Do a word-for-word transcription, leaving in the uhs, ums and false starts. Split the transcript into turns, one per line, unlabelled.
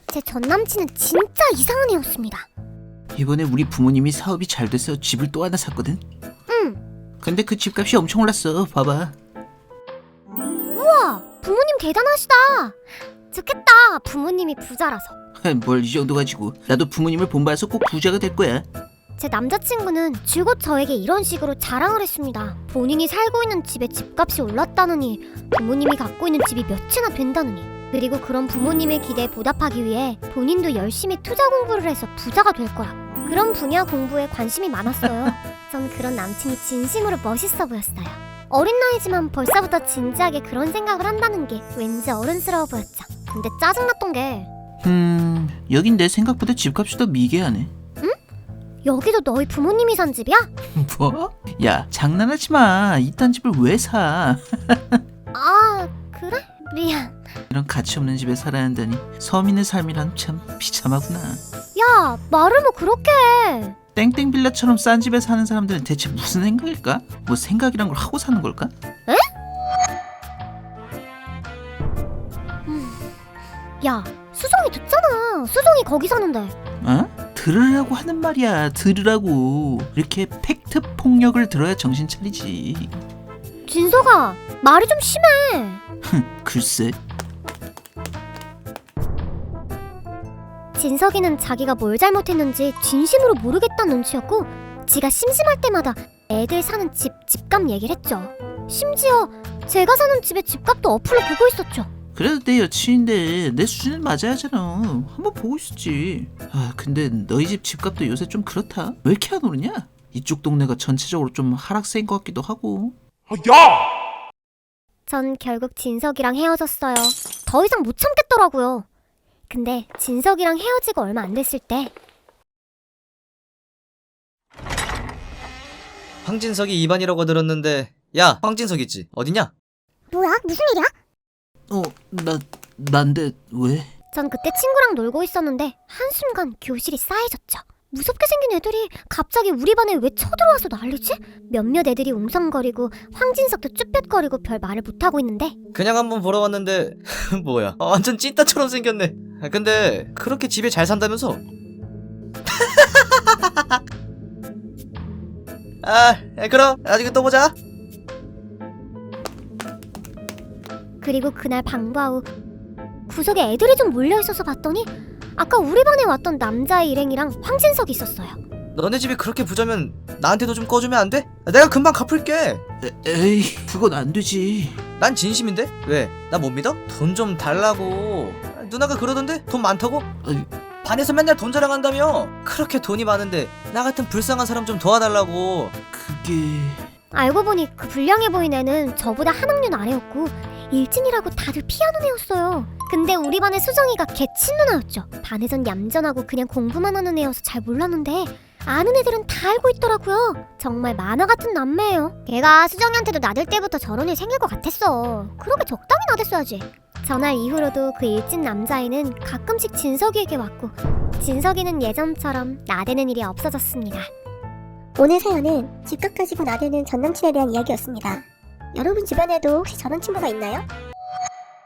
제 전남친은 진짜 이상한 애였습니다.
이번에 우리 부모님이 사업이 잘 돼서 집을 또 하나 샀거든?
응.
근데 그 집값이 엄청 올랐어. 봐봐.
우와, 부모님 대단하시다. 좋겠다, 부모님이 부자라서.
뭘 이 정도 가지고. 나도 부모님을 본받아서 꼭 부자가 될 거야.
제 남자친구는 줄곧 저에게 이런 식으로 자랑을 했습니다. 본인이 살고 있는 집의 집값이 올랐다느니, 부모님이 갖고 있는 집이 몇채나 된다느니, 그리고 그런 부모님의 기대에 보답하기 위해 본인도 열심히 투자 공부를 해서 부자가 될 거라. 그런 분야 공부에 관심이 많았어요. 전 그런 남친이 진심으로 멋있어 보였어요. 어린 나이지만 벌써부터 진지하게 그런 생각을 한다는 게 왠지 어른스러워 보였죠. 근데 짜증났던 게
음... 여긴 내 생각보다 집값이 더 미개하네.
여기도 너희 부모님이 산 집이야?
뭐? 야, 장난하지 마. 이딴 집을 왜 사?
아, 그래? 미안.
이런 가치없는 집에 살아야 한다니. 서민의 삶이란 참 비참하구나.
야, 말을 뭐 그렇게 해.
땡땡 빌라처럼 싼 집에 사는 사람들은 대체 무슨 생각일까? 뭐 생각이란 걸 하고 사는 걸까?
에? 음. 야, 수정이 듣잖아. 수정이 거기 사는데.
어? 들으라고 하는 말이야. 들으라고. 이렇게 팩트 폭력을 들어야 정신 차리지.
진서가 말이 좀 심해.
글쎄.
진석이는 자기가 뭘 잘못했는지 진심으로 모르겠다는 눈치였고, 지가 심심할 때마다 애들 사는 집 집값 얘기를 했죠. 심지어 제가 사는 집의 집값도 어플로 보고 있었죠.
그래도 내 여친인데 내 수준은 맞아야 하잖아. 한번 보고 있었지. 아, 근데 너희 집 집값도 요새 좀 그렇다. 왜 이렇게 안 오르냐? 이쪽 동네가 전체적으로 좀 하락세인 것 같기도 하고.
야!
전 결국 진석이랑 헤어졌어요. 더 이상 못 참겠더라고요. 근데 진석이랑 헤어지고 얼마 안 됐을 때
황진석이 입안이라고 들었는데. 야, 황진석 있지? 어디냐?
뭐야? 무슨 일이야?
어, 나, 난데 왜?
전 그때 친구랑 놀고 있었는데 한순간 교실이 싸해졌죠. 무섭게 생긴 애들이 갑자기 우리 반에 왜 쳐들어와서 난리지? 몇몇 애들이 웅성거리고 황진석도 쭈뼛거리고 별 말을 못하고 있는데
그냥 한번 보러 왔는데 뭐야, 아, 완전 찐따처럼 생겼네. 아, 근데 그렇게 집에 잘 산다면서? 아, 그럼 나중에 또 보자.
그리고 그날 방과 후 구석에 애들이 좀 몰려있어서 봤더니 아까 우리 반에 왔던 남자의 일행이랑 황진석이 있었어요.
너네 집이 그렇게 부자면 나한테도 좀 꺼주면 안 돼? 내가 금방 갚을게.
에, 에이, 그건 안 되지.
난 진심인데? 왜? 나 못 믿어? 돈 좀 달라고. 누나가 그러던데? 돈 많다고?
아니,
반에서 맨날 돈 자랑한다며? 그렇게 돈이 많은데 나 같은 불쌍한 사람 좀 도와달라고.
그게...
알고 보니 그 불량해 보인 애는 저보다 한 학년 아래였고 일진이라고 다들 피하는 애였어요. 근데 우리 반의 수정이가 걔 친누나였죠. 반에선 얌전하고 그냥 공부만 하는 애여서 잘 몰랐는데 아는 애들은 다 알고 있더라고요. 정말 만화 같은 남매예요. 걔가 수정이한테도 나들 때부터 저런 일 생길 것 같았어. 그러게 적당히 나댔어야지. 전날 이후로도 그 일진 남자애는 가끔씩 진석이에게 왔고 진석이는 예전처럼 나대는 일이 없어졌습니다.
오늘 사연은 집값 가지고 나대는 전남친에 대한 이야기였습니다. 여러분 주변에도 혹시 저런 친구가 있나요?